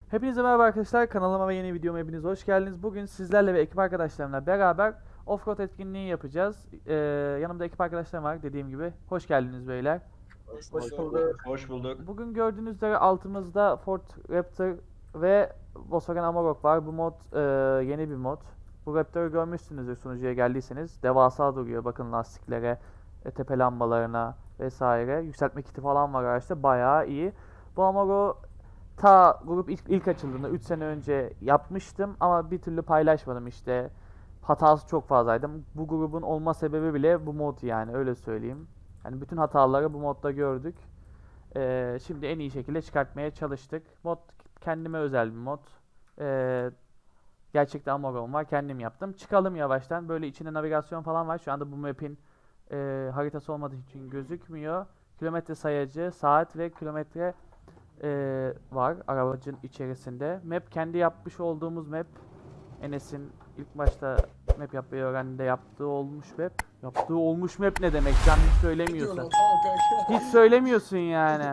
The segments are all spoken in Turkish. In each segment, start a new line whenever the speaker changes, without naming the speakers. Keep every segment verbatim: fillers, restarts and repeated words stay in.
Hepinize merhaba arkadaşlar, kanalıma ve yeni videoma hepiniz hoş geldiniz. Bugün sizlerle ve ekip arkadaşlarımla beraber offroad etkinliği yapacağız. Ee, yanımda ekip arkadaşlarım var dediğim gibi. Hoş geldiniz beyler.
Hoş
Hoş
bulduk.
bulduk.
Hoş bulduk.
Bugün gördüğünüz üzere altımızda Ford Raptor ve Volkswagen Amarok var. Bu mod e, yeni bir mod. Bu Raptor'u görmüşsünüzdür sunucuya geldiyseniz. Devasa duruyor, bakın lastiklere, e, tepe lambalarına vesaire. Yükseltme kiti falan var araçta, bayağı iyi. Bu Amarok ta grup ilk, ilk açıldığında üç sene önce yapmıştım ama bir türlü paylaşmadım işte. Hatası çok fazlaydı. Bu grubun olma sebebi bile bu mod, yani öyle söyleyeyim. Yani bütün hataları bu modda gördük. Ee, şimdi en iyi şekilde çıkartmaya çalıştık. Mod kendime özel bir mod. Ee, gerçekten Amazon var. Kendim yaptım. Çıkalım yavaştan. Böyle içinde navigasyon falan var. Şu anda bu map'in e, haritası olmadığı için gözükmüyor. Kilometre sayacı, saat ve kilometre e, var aracın içerisinde. Map kendi yapmış olduğumuz map. Enes'in ilk başta map yapmayı öğrendiğinde yaptığı olmuş map. Yaptığı olmuş map ne demek? Sen hiç söylemiyorsun.
Diyorsun, tamam kanka.
Hiç söylemiyorsun yani.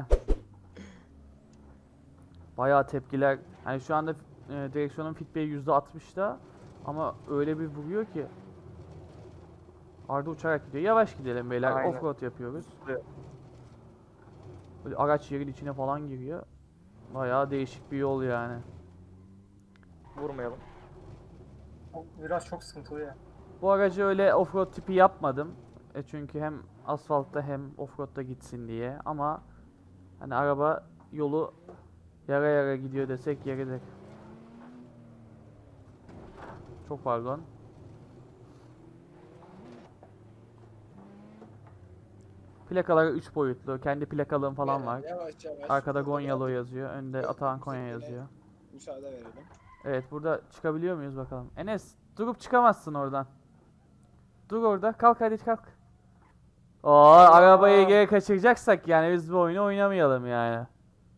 Bayağı tepkiler. Hani şu anda e, direksiyonun feedback'i yüzde altmışta ama öyle bir vuruyor ki. Arda uçarak gidiyor. Yavaş gidelim beyler.
Aynen.
Offroad yapıyoruz.
Evet.
Böyle araç yerin içine falan giriyor. Bayağı değişik bir yol yani.
Vurmayalım.
O Biraz çok sıkıntılı ya.
Bu aracı öyle offroad tipi yapmadım. E çünkü hem asfaltta hem offroad'da gitsin diye. Ama hani araba yolu yara yara gidiyor desek yeridir. Çok pardon. Plakaları üç boyutlu. Kendi plakalığım falan var.
Yavaş yavaş.
Arkada
Burada
Gonyalı
biraz
yazıyor. Önde Atahan Konya yazıyor.
Müsaade verelim.
Evet, burada çıkabiliyor muyuz bakalım. Enes, durup çıkamazsın oradan. Dur orada. Kalk hadi kalk. Oo, arabayı geri kaçıracaksak yani biz bu oyunu oynamayalım yani.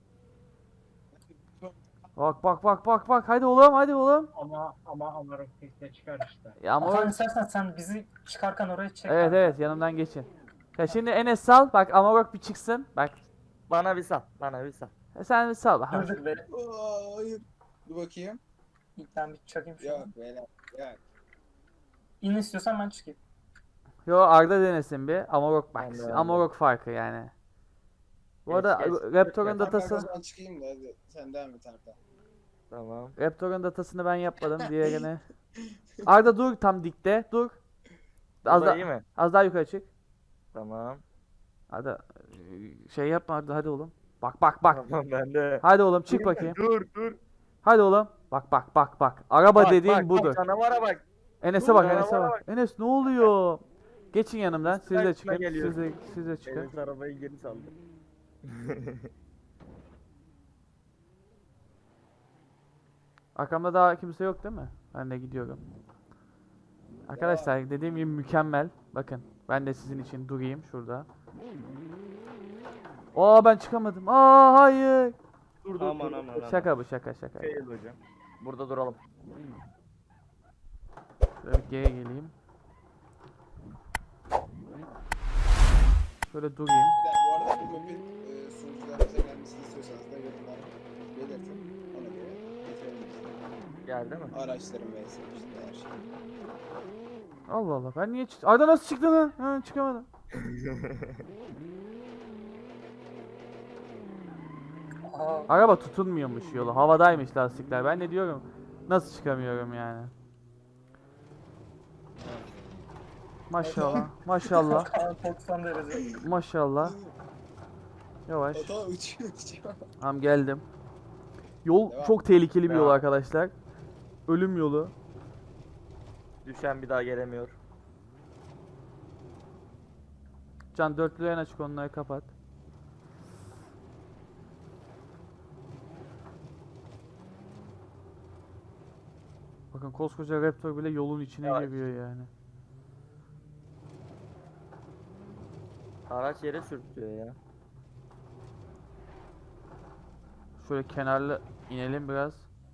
Bak bak bak bak bak, hadi oğlum hadi oğlum.
Ama ama Amarok de çıkar işte.
Ya ama
Atan
o-
istersen sen bizi çıkarken oraya çek.
evet
kanka.
evet, yanımdan geçin. Ya şimdi Enes sal, bak Amarok bir çıksın. Bak
Bana bir sal. Bana bir sal.
e sen bir sal bak.
Dur dur be.
Aa, hayır. Dur bakayım.
İlk ben bir çakayım şunu.
Yok beyler. Yok.
İn istiyorsan ben çıkayım.
Yo, Arda denesin bir. Amarok bak.
Ben de, ben de.
Amarok farkı yani. Bu
Geç,
arada
geç.
Raptor'un
Geç,
Ben
datası
o zaman çıkayım da hadi. Sen devam et Arda.
Tamam.
Raptor'un datasını ben yapmadım, diğerini. Arda dur tam dikte. Dur. Az,
Bu
da,
da iyi mi?
az daha yukarı çık.
Tamam.
Arda e, şey yapma Arda, hadi oğlum. Bak bak bak.
Tamam ben de.
Hadi oğlum çık bakayım.
Dur dur.
Hadi oğlum. Bak bak bak bak. Araba
Bak,
dediğin
bak,
budur.
Bak, canavara bak.
Enes'e
dur,
bak,
canavara
Enes'e bak.
bak.
Enes ne oluyor? Geçin yanımdan. Siz de
Üstüne
çıkın.
geliyor.
Siz de, siz de çıkın.
Enes arabayı geri saldı.
Arkamda daha kimse yok değil mi? Ben de gidiyorum. Arkadaşlar dediğim gibi mükemmel. Bakın ben de sizin için durayım şurada. Aa, ben çıkamadım. Aa, hayır.
Dur dur
Aman,
dur.
aman, aman.
Şaka bu, şaka şaka.
Fail hocam. Burada duralım.
Şöyle bir geri geleyim. Şöyle durayım.
Bir dakika, bu arada bu map'in e, sunucularımıza gelmesini istiyorsanız da yorumlara belirtin. Ona göre getirelim.
Geldi mi?
Araçların ve işte her şey.
Allah Allah, ben niye çıktım? Arda nasıl çıktın lan? Ha, çıkamadım.
Aa,
Araba tutunmuyormuş yolu. Havadaymış lastikler. Ben de diyorum nasıl çıkamıyorum yani. Maşallah. Maşallah.
Kaan doksan derece.
Maşallah. Yavaş.
Hata uçuyor uçuyor.
Tamam, geldim. Yol
Devam.
çok tehlikeli bir yol
Devam.
arkadaşlar. Ölüm yolu.
Düşen bir daha gelemiyor.
Can, dörtlüğü en açık, onları kapat. Bakın koskoca Raptor bile yolun içine
Yavaş.
giriyor yani.
Araç yere sürtüyor ya.
Şöyle kenarlı inelim biraz.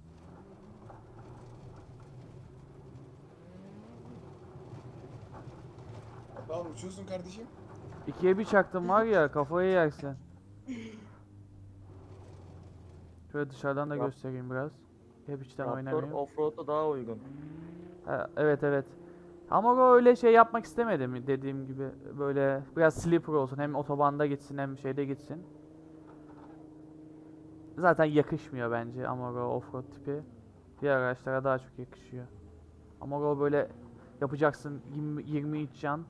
Tamam uçuyorsun kardeşim.
İkiye bir çaktım var ya, kafayı yersin. Şöyle dışarıdan da
Rap-
göstereyim biraz. Hep içten
Raptor
oynamıyorum.
offroad'a daha uygun.
Ha, evet evet. Ama o öyle şey yapmak istemedim dediğim gibi. Böyle biraz sleeper olsun. Hem otobanda gitsin hem şeyde gitsin. Zaten yakışmıyor bence Amarok offroad tipi. Diğer araçlara daha çok yakışıyor. Amarok böyle yapacaksın yirmi, yirmi inç jant.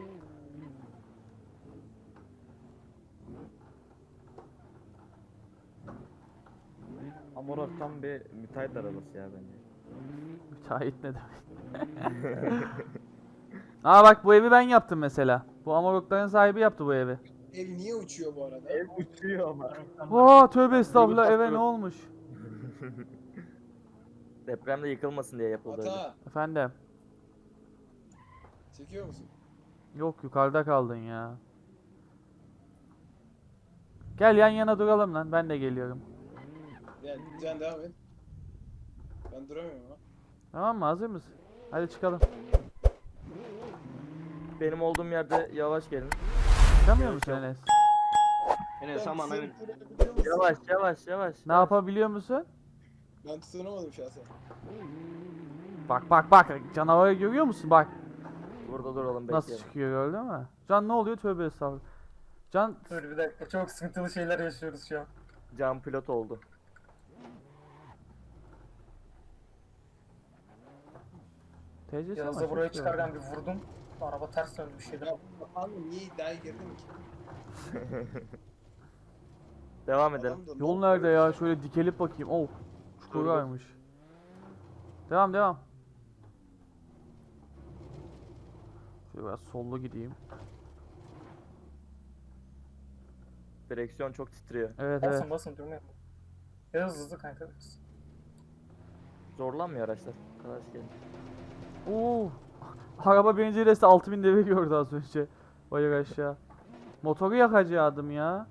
Amarok tam bir müteahhit arabası ya bence.
Müteahhit ne demek? Aa bak bu evi ben yaptım mesela. Bu Amarokların sahibi yaptı bu evi.
Ev niye uçuyor bu arada?
Ev uçuyor ama.
Oo tövbe estağfurullah
Yürü,
eve
yürü.
ne olmuş?
Depremde yıkılmasın diye yapıldı öyle.
Ata
Efendim.
çekiyor musun?
Yok yukarıda kaldın ya. Gel yan yana duralım lan ben de geliyorum.
Gel Can devam et. Ben duramıyorum ama.
Tamam mı hazır mısın? Hadi çıkalım.
Benim olduğum yerde yavaş gelin.
Çıkamıyor musun Enes?
Enes
Ben
aman
seni
evet.
tutabiliyor musun?
Yavaş yavaş yavaş.
Ne yapabiliyor musun?
Ben tutunamadım şahsen.
Bak bak bak canavarı görüyor musun? Bak
Burada duralım
nasıl
bekleyelim.
çıkıyor gördün mü? Can ne oluyor tövbe estağfurullah. Can
Dur bir dakika, çok sıkıntılı şeyler yaşıyoruz şu an.
Can pilot oldu.
T C'si
Yağız'ı
ama
buraya
çok iyi.
çıkarken bir vurdum. Araba ters döndü bir şeyden.
Ya abi niye iddiaya girdin ki?
Devam edelim.
Adam da
Yol
ne
nerede
yapıyor?
ya? Şöyle dikelip bakayım. Oh. Çukur
Dur, dur.
varmış. Devam devam. Şöyle biraz sollu gideyim.
Direksiyon çok titriyor.
Evet evet.
Basın basın durmayın. Biraz hızlı kanka.
Zorlanmıyor araçlar. Arkadaş gelin.
Oo. Araba birinci viteste altı bin devir gördü az önce. Bayır aşağı. Motoru yakacaktım ya.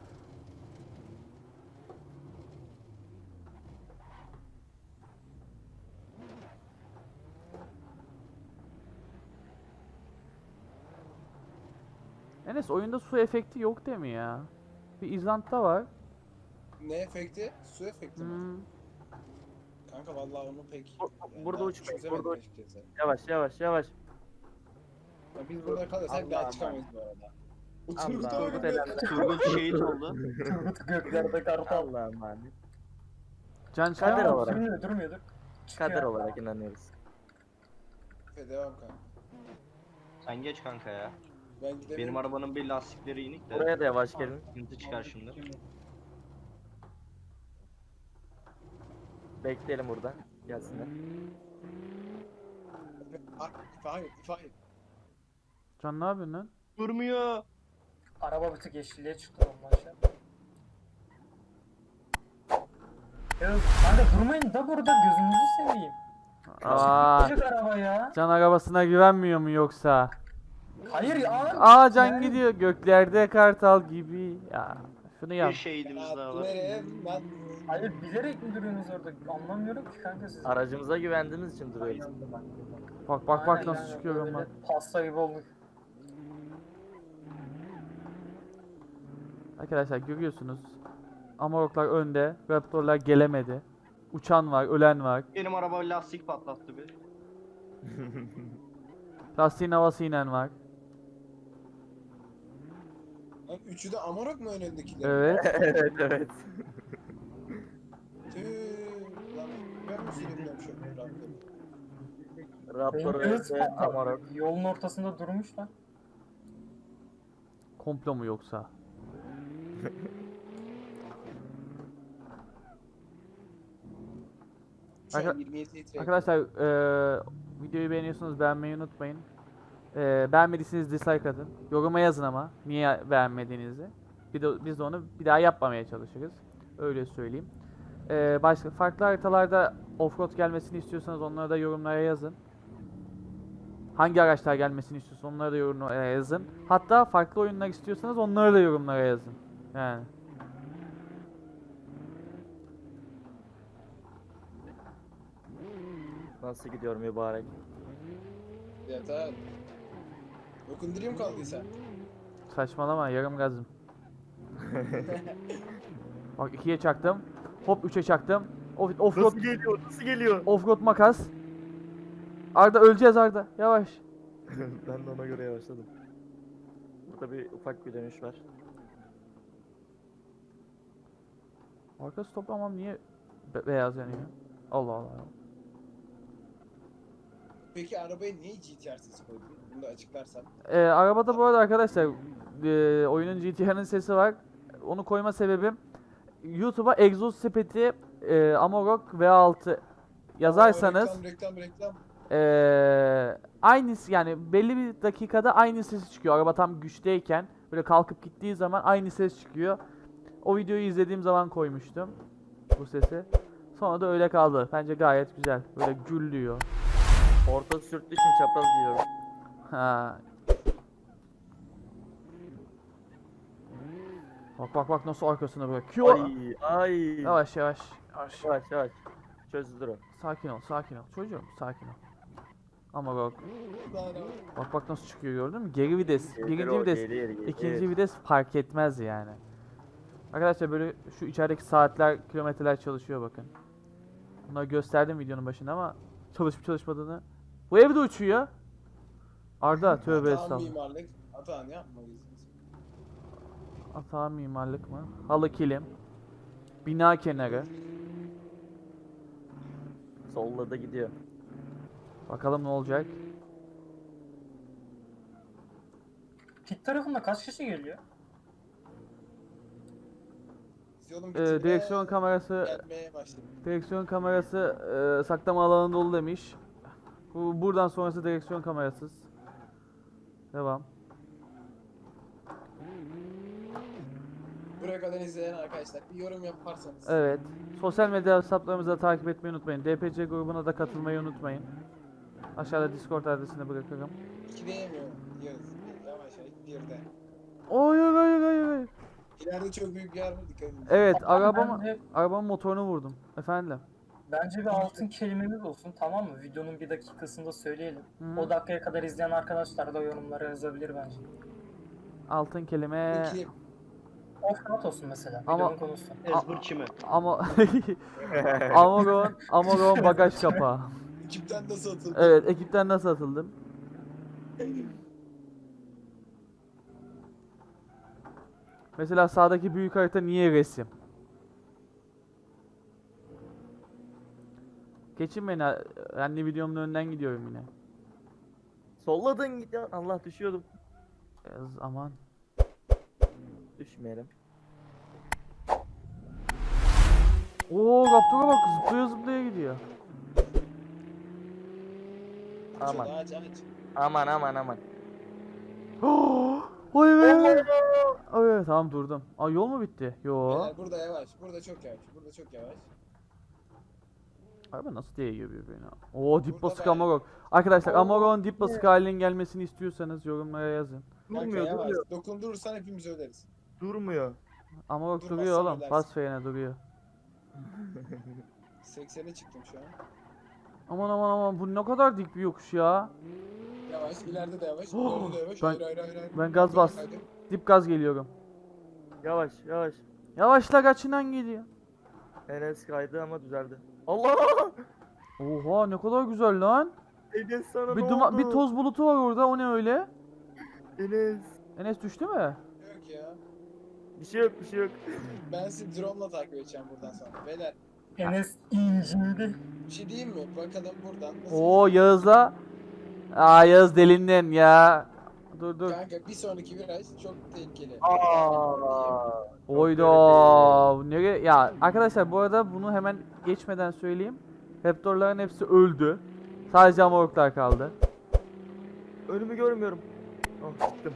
Enes oyunda su efekti yok değil mi ya? Bir İzland'da var.
Ne efekti? Su efekti mi?
Hmm.
Kanka vallahi onu pek...
Bu-
yani
burada
ben
uçmayın,
çözemedim
burada uç-
açıkçası.
Yavaş yavaş yavaş.
Ya biz burada kalırsak bir
Allah
daha çıkamayız bu arada.
Allah.
Uçurdu
Turgut
öyle.
elendi.
Turgut şehit oldu.
Turgut göklerde kartal.
Allah'a emanet.
Can
Kader
çıkar mı?
olarak.
Durmuyor durmuyor dur.
Kader
Çıkıyor.
olarak inanıyoruz.
Efe devam kanka.
Sen geç kanka ya.
Ben gidemiyorum.
Benim arabanın bir lastikleri inik de.
Buraya da yavaş gelin.
Sıkıntı çıkar şimdi.
Bekleyelim burada. Gelsinler.
Ah, İfade ifade.
Can ne yapıyorsun lan?
Durmuyor.
Araba bir tık yeşilliğe çıktı ondan aşağı. Ya kanka durmayın da burada gözünüzü seveyim.
Aa,
Küçük araba ya.
Can arabasına güvenmiyor mu yoksa?
Hayır ya.
Aa Can
Yani-
gidiyor göklerde kartal gibi. Ya şunu yap.
Bir şehidimiz daha
Ya
var.
nereye? Ben...
Hayır bilerek mi duruyorsunuz orada? Anlamıyorum ki kanka siz.
Aracımıza güvendiğimiz için duruyoruz.
Bak bak bak
Aynen
nasıl
kanka,
çıkıyorum
böyle
bak.
Pasta gibi olduk.
Arkadaşlar görüyorsunuz. Amaroklar önde. Raptorlar gelemedi. Uçan var, ölen var.
Benim araba lastik patlattı bir.
Lastiğin havası inen var.
Lan üçü de Amarok mu önündekiler?
Evet.
evet evet.
Tüh. Lan ben mi süremiyorum şu an?
Raptor
Benim göz
ve Amarok.
yolun ortasında durmuş lan.
Komplo mu yoksa?
Şu an
Arka-
yirmi yedi litre.
Arkadaşlar eee, videoyu beğeniyorsanız beğenmeyi unutmayın. Eee beğenmediyseniz dislike atın. Yoruma yazın ama niye beğenmediğinizi. Bir de, biz de onu bir daha yapmamaya çalışırız. Öyle söyleyeyim. Eee başka farklı haritalarda offroad gelmesini istiyorsanız onları da yorumlara yazın. Hangi araçlar gelmesini istiyorsanız onları da yorumlara yazın. Hatta farklı oyunlar istiyorsanız onları da yorumlara yazın. Yani.
Nasıl gidiyor mübarek?
Ya da... Dokundurayım kaldıysa.
Saçmalama yarım gazım. Bak ikiye çaktım. Hop üçe çaktım. Off- Offroad
Nasıl geliyor? Nasıl geliyor?
offroad makas. Arda öleceğiz Arda. Yavaş.
Ben de ona göre yavaşladım. Burada bir ufak bir dönüş var.
Arkası toplamam niye be- beyaz yanıyor? Allah Allah.
Peki arabaya niye G T R sesi koydun? Bunu da açıklarsan.
Ee, arabada bu arada arkadaşlar e, oyunun G T R'nin sesi var. Onu koyma sebebim YouTube'a egzoz sepeti e, Amarok V altı yazarsanız
Aa, reklam reklam reklam.
e, aynısı yani belli bir dakikada aynı ses çıkıyor. Araba tam güçteyken böyle kalkıp gittiği zaman aynı ses çıkıyor. O videoyu izlediğim zaman koymuştum bu sesi. Sonra da öyle kaldı. Bence gayet güzel. Böyle gürlüyor.
Orta sürttüğü için çapraz giyiyorum.
Ha. Bak bak bak nasıl arkasına bırakıyor.
Ay ay.
Yavaş yavaş. Yavaş.
Yavaş yavaş. Çözdür o.
Sakin ol, sakin ol. Çocuğum sakin ol. Ama bak.
Daha ne var?
Bak bak nasıl çıkıyor gördün mü? Geri vites.
Gelir
Birinci
o,
vites.
gelir, gelir.
ikinci vites fark etmez yani. Arkadaşlar böyle şu içerideki saatler, kilometreler çalışıyor bakın. Bunları gösterdim videonun başında ama çalışıp çalışmadığını. Bu evde uçuyor. Arda tövbe
Atağın
estağfurullah.
mimarlık. Atağın yapmalıyız biz.
Atağa mimarlık mı? Halı kilim. Bina kenarı.
Solladı gidiyor.
Bakalım ne olacak.
Pit tarafında kaç kişi geliyor?
Biz yolun
Ee,
bitimine
direksiyon kamerası
gelmeye başladık.
direksiyon kamerası e, saklama alanı dolu demiş. Bu buradan sonrası direksiyon kamerasız. Devam.
Buraya kadar izleyen arkadaşlar bir yorum yaparsanız.
Evet. Sosyal medya hesaplarımızı da takip etmeyi unutmayın. D P C grubuna da katılmayı unutmayın. Aşağıda Discord adresini bırakırım.
İki diyemiyor. Yağız. Yavaş yavaş. Bir de.
Hayır hayır hayır hayır.
İleride çok büyük bir yer var, dikkat edin.
Evet,
Tamam,
arabamı
bence,
arabamın motorunu vurdum. Efendim.
bence bir altın kelimemiz olsun, tamam mı? Videonun bir dakikasında söyleyelim.
Hı.
O dakikaya kadar izleyen arkadaşlar da yorumlara yazabilir bence.
Altın kelime
Peki
Offroad olsun mesela,
Ama-
videonun konusu.
Ezbur çimi.
ama Amoron Amoron bagaj kapağı.
ekipten nasıl atıldı?
Evet, ekipten nasıl atıldım? Mesela sağdaki büyük harita niye resim? Geçin beni, anne videomun önünden gidiyorum yine.
Solladın gidiyor. Allah düşüyordum.
Yaz, aman.
Düşmeyelim.
Oo, Raptor'a bak zıplaya zıplaya gidiyor.
Aman.
Aç aç.
Aman aman aman.
Oy be. Oy, tamam durdum. Aa, yol mu bitti? Yo.
Beyler burada yavaş. Burada çok yavaş. Burada çok yavaş.
Araba nasıl değiyor birbirine? Oo, dip
Burada
basık
da-
Amarok. Arkadaşlar
Oo,
Amarok'un dip basık halinin gelmesini istiyorsanız yorumlara yazın.
Kanka
Durmuyor
yavaş.
durmuyor.
Dokundurursan hepimiz öleriz.
Durmuyor.
Amarok
Durmazsan
duruyor oğlum.
ölersin.
Bas frene duruyor.
seksene çıktım şu an.
Aman aman aman bu ne kadar dik bir yokuş ya.
Yavaş. ileride de yavaş.
Oh,
ileride de yavaş.
ben-
hayır hayır hayır. hayır.
ben gaz
Dur,
bas.
hadi.
Dip gaz geliyorum.
Yavaş yavaş.
Yavaşla kaçından geliyor.
Enes kaydı ama düzeldi. Allah!
Oha ne kadar güzel lan.
Enes sana
Bir
ne
duma-
oldu?
bir toz bulutu var orada. O ne öyle?
Enes.
Enes düştü mü?
Yok ya.
Bir şey yok bir şey yok.
Ben sizi drone'la takip edeceğim buradan sonra. Beyler
Enes incindi.
bir şey diyeyim mi? Bakalım buradan nasıl...
Oo Yağız'la. Aa Yağız delindin ya. Dur dur.
Kanka bir sonraki viraj çok tehlikeli.
Aa.
Oyda. Nereye? Ya arkadaşlar bu arada bunu hemen geçmeden söyleyeyim. Raptorların hepsi öldü. Sadece Amaroklar kaldı.
Önümü görmüyorum. Oh çıktım.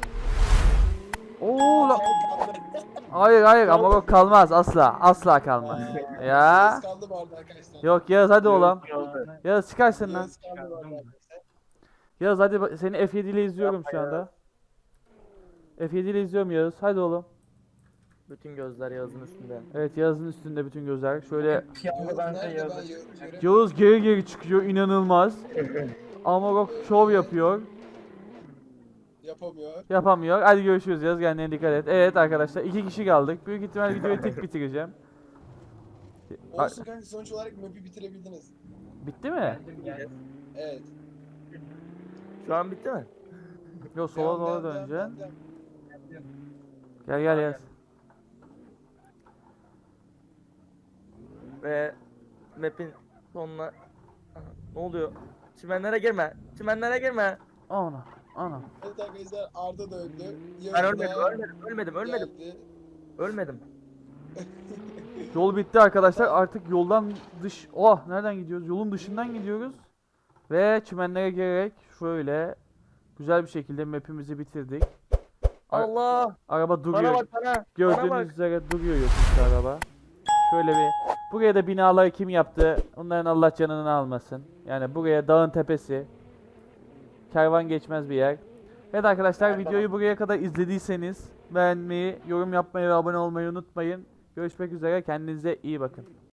Oo la.
Kaldı.
Hayır hayır Amarok kalmaz asla. Asla kalmaz.
Aa,
Ya.
Yağız kaldı bu arada arkadaşlar.
Yok Yağız hadi oğlum.
Kaldı.
Yağız çıkarsın lan.
Yağız kaldı bu arada arkadaşlar.
Yağız hadi bak- seni F yedi ile izliyorum şu anda. F yedi ile izliyorum Yağız. Hadi oğlum.
Bütün gözler Yağız'ın üstünde.
Evet Yağız'ın üstünde bütün gözler. Şöyle
Piyango
Yağız
bence
nerede? Ben
yazdı.
Yağız'ı göremiyorum.
Yağız geri geri çıkıyor inanılmaz. Amarok şov yapıyor.
Yapamıyor.
Yapamıyor. Hadi görüşürüz Yağız kendine dikkat et. Evet arkadaşlar iki kişi kaldık. Büyük ihtimal videoyu tek bitireceğim. Bitti. A-
Olsun kanka, sonuç olarak map'i bitirebildiniz.
bitti mi?
Geldim geldim.
Evet.
Şu an bitti mi?
Yo, sola
Devam,
doğru
devam, devam,
döneceksin.
devam,
geldim.
Gel gel gel.
Ve map'in sonuna... Aha, ne oluyor? Çimenlere girme. Çimenlere girme.
Ana. Ana.
Evet arkadaşlar, Arda da öldü.
Ben
Yanında
ölmedim, ölmedim, ölmedim, ölmedim.
geldi.
Ölmedim.
Yol bitti arkadaşlar. Artık yoldan dış... Oh, nereden gidiyoruz? Yolun dışından gidiyoruz. Ve çimenlere girerek şöyle güzel bir şekilde map'imizi bitirdik. Ar-
Allah!
Araba
Bana
duruyor.
bak bana. Bana
Gördüğünüz
bak.
üzere duruyor yokuş araba. Şöyle bir, buraya da binaları kim yaptı? Onların Allah canını almasın. Yani buraya dağın tepesi. Kervan geçmez bir yer. Evet arkadaşlar,
Her
videoyu buraya kadar izlediyseniz beğenmeyi, yorum yapmayı ve abone olmayı unutmayın. Görüşmek üzere, kendinize iyi bakın.